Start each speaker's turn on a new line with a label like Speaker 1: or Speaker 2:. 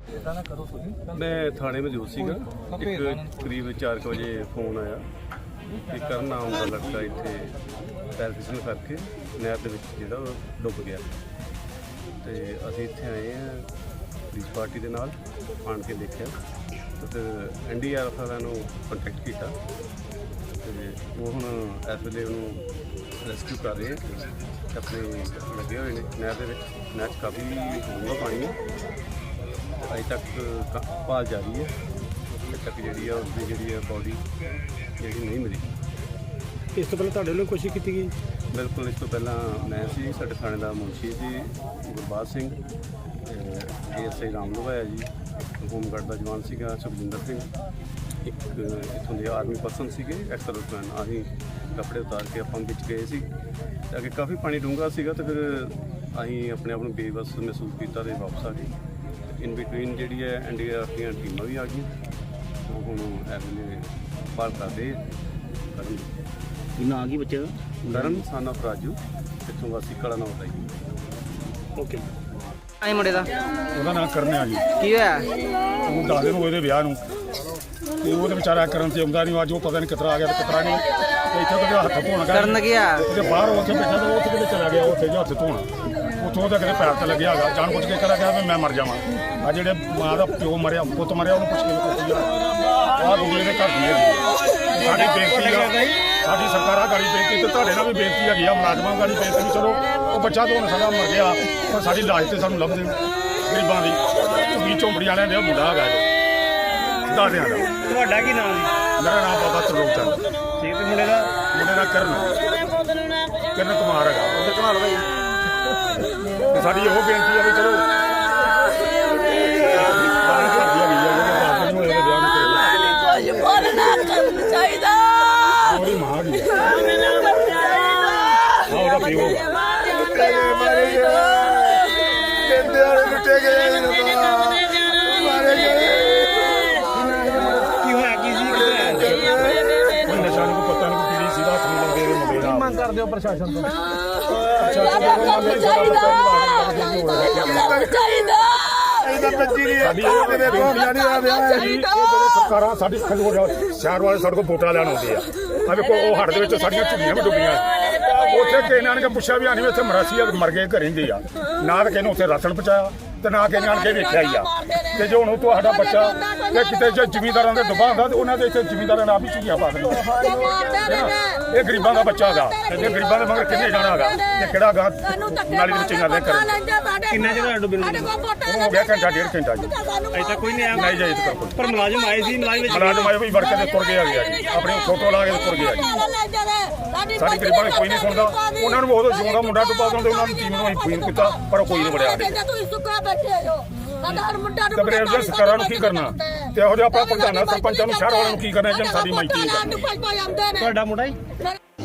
Speaker 1: मैं थाने में मौजूद सीगा एक करीब 4 बजे फोन आया कि करण नाम का लड़का इत्थे पैर फिसल करके नहर दे विच जिहड़ा डुੱਬ गया ते असीं इत्थे आए हैं पुलिस पार्टी दे नाल आण के देखिया ते फिर NDRF वालिਆਂ ਨੂੰ ਕੰਟੈਕਟ ਕੀਤਾ ਤੇ ਉਹ ਹੁਣ ਇਸ ਵੇਲੇ ਉਹਨੂੰ ਰੈਸਕਿਊ ਕਰ ਰਹੇ ਆ ਆਪਣੇ ਲੱਗੇ ਹੋਏ ਨੇ ਨਹਿਰ ਦੇ ਵਿੱਚ ਨਹਿਰ 'ਚ ਕਾਫੀ ਡੂੰਘਾ ਪਾਣੀ ਹੈ ਅਜੇ ਤੱਕ ਭਾਲ ਜਾਰੀ ਹੈ ਅਜੇ ਤੱਕ ਜਿਹੜੀ ਆ ਉਸਦੀ ਜਿਹੜੀ ਆ ਬੋਡੀ ਜਿਹੜੀ ਨਹੀਂ ਮਿਲੀ।
Speaker 2: ਇਸ ਤੋਂ ਪਹਿਲਾਂ ਤੁਹਾਡੇ ਵੱਲੋਂ ਕੋਸ਼ਿਸ਼ ਕੀਤੀ ਗਈ?
Speaker 1: ਬਿਲਕੁਲ, ਇਸ ਤੋਂ ਪਹਿਲਾਂ ਮੈਂ ਸੀ, ਸਾਡੇ ਥਾਣੇ ਦਾ ਮੁਨਸ਼ੀ ਸੀ ਗੁਰਬਾਜ ਸਿੰਘ, ASI ਰਾਮ ਲਵਾਇਆ ਜੀ, ਹੋਮਗਾਰਡ ਦਾ ਜਵਾਨ ਸੀਗਾ ਸੁਖਜਿੰਦਰ ਸਿੰਘ, ਇੱਕ ਇੱਥੋਂ ਦੇ ਆਰਮੀ ਪਰਸਨ ਸੀਗੇ ਐਕਸ-ਸਰਵਿਸਮੈਨ। ਅਸੀਂ ਕੱਪੜੇ ਉਤਾਰ ਕੇ ਆਪਾਂ ਵਿੱਚ ਗਏ ਸੀ ਤਾਂ ਅੱਗੇ ਕਾਫੀ ਪਾਣੀ ਡੂੰਘਾ ਸੀਗਾ ਤੇ ਫਿਰ ਅਸੀਂ ਆਪਣੇ ਆਪ ਨੂੰ ਬੇਵੱਸ ਮਹਿਸੂਸ ਕੀਤਾ ਤੇ ਵਾਪਸ ਆ ਗਏ। ਇਨ ਬਿਟਵੀਨ ਜਿਹੜੀ ਹੈ NDRF ਦੀਆਂ ਟੀਮਾਂ ਵੀ ਆ ਗਈਆਂ, ਉਹ ਹੁਣ ਇਸ ਵੇਲੇ ਭਾਲ ਕਰਦੇ ਕਰਨ।
Speaker 2: ਕੀ ਨਾਂ ਕੀ ਬੱਚੇ ਦਾ?
Speaker 1: ਕਰਨ son of ਰਾਜੂ, ਇੱਥੋਂ ਵਾਸੀ ਕਲਾ ਨਾਮ ਦਾ ਜੀ।
Speaker 2: ਓਕੇ।
Speaker 3: ਆਈ ਮੁੰਡੇ ਦਾ
Speaker 4: ਉਹਦਾ ਨਾਂ ਕਰਨ ਆ ਜੀ।
Speaker 3: ਕੀ ਹੋਇਆ?
Speaker 4: ਉਹਨੂੰ 10 ਦਿਨ ਹੋਏ ਦੇ ਵਿਆਹ ਨੂੰ ਤੇ ਉਹਦੇ ਵਿਚਾਰਾ ਕਰਨ ਤੇ ਆਉਂਦਾ ਨਹੀਂ। ਅੱਜ ਉਹ ਪਤਾ ਨਹੀਂ ਕਿਤਰਾ ਆ ਗਿਆ ਤੇ ਕਿਤਰਾ ਨਹੀਂ। ਤੇ ਇੱਥੇ ਉਹਦੇ ਹੱਥ ਧੋਣ ਗਿਆ
Speaker 3: ਕਰਨ ਗਿਆ
Speaker 4: ਤੇ ਬਾਹਰ ਉੱਥੇ ਬੈਠਾ ਤੇ ਉੱਥੇ ਕਿਤੇ ਚਲਾ ਗਿਆ, ਉੱਥੇ ਹੱਥ ਧੋਣ ਉੱਥੋਂ ਉਹਦੇ ਕਿਤੇ ਪੈਰ ਤੇ ਲੱਗਿਆ ਹੈਗਾ। ਜਾਣ ਪੁੱਛ ਕੇ ਕਰਾ ਗਿਆ ਵੀ ਮੈਂ ਮਰ ਜਾਵਾਂ। ਆ ਜਿਹੜੇ ਮਾਂ ਦਾ ਪਿਓ ਮਰਿਆ, ਪੁੱਤ ਮਰਿਆ, ਉਹਨੂੰ ਪੁੱਛ ਕੇ ਕੀਤੀ ਆ ਗੁੱਗਲੇ ਦੇ ਘਰ ਦੀ ਹੈਗੀ। ਸਾਡੀ ਬੇਨਤੀ ਆ, ਸਾਡੀ ਸਰਕਾਰਾਂ ਗਾੜੀ ਬੇਨਤੀ ਤੇ ਤੁਹਾਡੇ ਨਾਲ ਵੀ ਬੇਨਤੀ ਹੈਗੀ ਆ, ਮੁਲਾਜ਼ਮਾਂ ਗਾੜੀ ਬੇਨਤੀ ਵੀ ਚਲੋ ਉਹ ਬੱਚਾ ਤਾਂ ਹੁਣ ਸਾਡਾ ਮਰ ਗਿਆ ਪਰ ਸਾਡੀ ਲਾਸ਼ ਤੇ ਸਾਨੂੰ ਲੱਭ ਦੇਣ ਗਰੀਬਾਂ ਦੀ। ਝੁੱਗੀ ਝੋਂਪੜੀ ਵਾਲਿਆਂ ਦੇ ਮੁੰਡਾ ਹੈਗਾ ਜੀ ਦਾਦਿਆਂ ਦਾ।
Speaker 2: ਤੁਹਾਡਾ ਕੀ ਨਾਮ ਜੀ?
Speaker 4: ਮੇਰਾ ਨਾਮ ਬਾਬਾ ਤਰਲੋਕ ਚੰਦ।
Speaker 2: ਠੀਕ ਤੇ ਮੁੰਡੇ ਦਾ
Speaker 4: ਕਰਨ ਕੁਮਾਰ ਹੈਗਾ। ਉਹਦੇ ਘੁਮਾ ਲਓ ਭਾਈ। ਤੇ ਸਾਡੀ ਉਹ ਬੇਨਤੀ ਆ ਵੀ ਚਲੋ
Speaker 5: ਚਾਹੀਦਾ
Speaker 4: ਉਹਦੀ ਮਾਂ ਦੀ ਉਹਦਾ ਪਿਓ
Speaker 5: ਕਹਿੰਦੇ ਵਾਲੇ ਲੁੱਟੇ ਗਏ ਮਾਰੇ ਗਏ।
Speaker 2: ਕੀ ਹੋਇਆ? ਕੀ ਸੀ?
Speaker 4: ਨਸ਼ਾ ਨੂੰ ਪਤਾ ਨਹੀਂ ਪੀੜੀ ਸੀ ਹੱਥ ਨੂੰ ਲੱਗੇ ਮੁੰਡੇ ਨਾਲ।
Speaker 2: ਮੰਗ ਕਰਦੇ ਹੋ ਪ੍ਰਸ਼ਾਸਨ ਤੋਂ?
Speaker 4: ਸਾਡੀ ਉਹ ਕਿਤੇ ਬੇਨਤੀਆਂ ਨਹੀਂ ਆ ਰਿਹਾ ਜੀ। ਇਹ ਜਦੋਂ ਸਰਕਾਰਾਂ ਸਾਡੀ ਸ਼ਹਿਰ ਵਾਲੇ ਸਾਡੇ ਕੋਲ ਵੋਟਾਂ ਲੈਣ ਆਉਂਦੇ ਆ, ਆ ਵੇਖੋ ਉਹ ਹੜ੍ਹ ਦੇ ਵਿੱਚ ਸਾਡੀਆਂ ਝੁੱਗੀਆਂ ਵੀ ਡੁੱਬੀਆਂ। ਉੱਥੇ ਕਿਸੇ ਨੇ ਆਣ ਕੇ ਪੁੱਛਿਆ ਵੀ ਆਣੀ ਇੱਥੇ ਮਰਾਸੀ ਮਰ ਗਏ ਘਰੇ ਹੁੰਦੇ ਆ, ਨਾ ਤਾਂ ਕਿਸੇ ਨੇ ਉੱਥੇ ਰਾਸ਼ਨ ਪਹੁੰਚਾਇਆ ਤੇ ਨਾ ਕਿਸੇ ਨੇ ਆਣ ਕੇ ਵੇਖਿਆ ਹੀ ਆ। ਤੇ ਜੇ ਹੁਣ ਤੁਹਾਡਾ ਬੱਚਾ ਤੇ ਕਿਤੇ ਜੇ ਜ਼ਿਮੀਂਦਾਰਾਂ ਦੇ ਡੁੱਬਾ ਹੁੰਦਾ ਤੇ ਉਹਨਾਂ ਦੇ ਇੱਥੇ ਜ਼ਿਮੀਂਦਾਰਾਂ ਨੇ ਆਪ ਹੀ ਝੁੱਗੀਆਂ ਪਾ ਦੇਣੀਆਂ। ਇਹ ਗਰੀਬਾਂ ਦਾ ਬੱਚਾ ਹੈਗਾ, ਇਹ ਗਰੀਬਾਂ ਦੇ ਮਗਰ ਕਿੰਨੇ ਜਾਣਾ ਹੈਗਾ ਤੇ ਕਿਹੜਾ ਗਾ ਨਾਲੀ ਦੇ ਵਿੱਚ ਜਾਂਦੇ ਕਰੇ।
Speaker 2: ਕਿੰਨਾ ਚਿਰ ਡੁੱਬੇ ਨੂੰ?
Speaker 4: ਹੋ ਗਿਆ ਘੰਟਾ ਡੇਢ ਘੰਟਾ ਜੀ।
Speaker 2: ਅਜੇ ਤੱਕ ਕੋਈ ਨਹੀਂ ਆਇਆ?
Speaker 4: ਨਹੀਂ ਜਾਈ ਤੱਕ
Speaker 2: ਪਰ ਮੁਲਾਜ਼ਮ ਆਏ ਸੀ?
Speaker 4: ਮੁਲਾਜ਼ਮ ਆਏ ਵੀ ਵੜ ਕੇ ਤੁਰ ਗਏ ਆ ਜੀ, ਆਪਣੇ ਫੋਟੋ ਲਾ ਕੇ ਤੁਰ ਗਏ ਆ ਜੀ। ਸਾਡੀ ਗਰੀਬਾਂ ਨੇ ਕੋਈ ਨਹੀਂ ਸੁਣਦਾ। ਉਹਨਾਂ ਨੂੰ ਬਹੁਤ ਜਿਉਂਦਾ ਮੁੰਡਾ ਡੁੱਬਾ ਦਿੰਦੇ, ਉਹਨਾਂ ਦੀ ਟੀਮ ਨੂੰ ਅਸੀਂ ਫੋਨ ਕੀਤਾ ਪਰ ਕੋਈ ਨਹੀਂ ਵੜਿਆ। ਤੇ ਸਰਕਾਰਾਂ ਨੂੰ ਕੀ ਕਰਨਾ ਤੇ ਇਹੋ ਜਿਹਾ ਆਪਣਾ ਪ੍ਰਧਾਨਾਂ ਸਰਪੰਚਾਂ ਨੂੰ ਸ਼ਹਿਰ ਵਾਲਿਆਂ ਨੂੰ ਕੀ ਕਰਨਾ ਜੇ ਸਾਡੀ ਮਾਈਤੀ ਨਹੀਂ ਕਰਨੀ।
Speaker 2: ਤੁਹਾਡਾ ਮੁੰਡਾ ਹੀ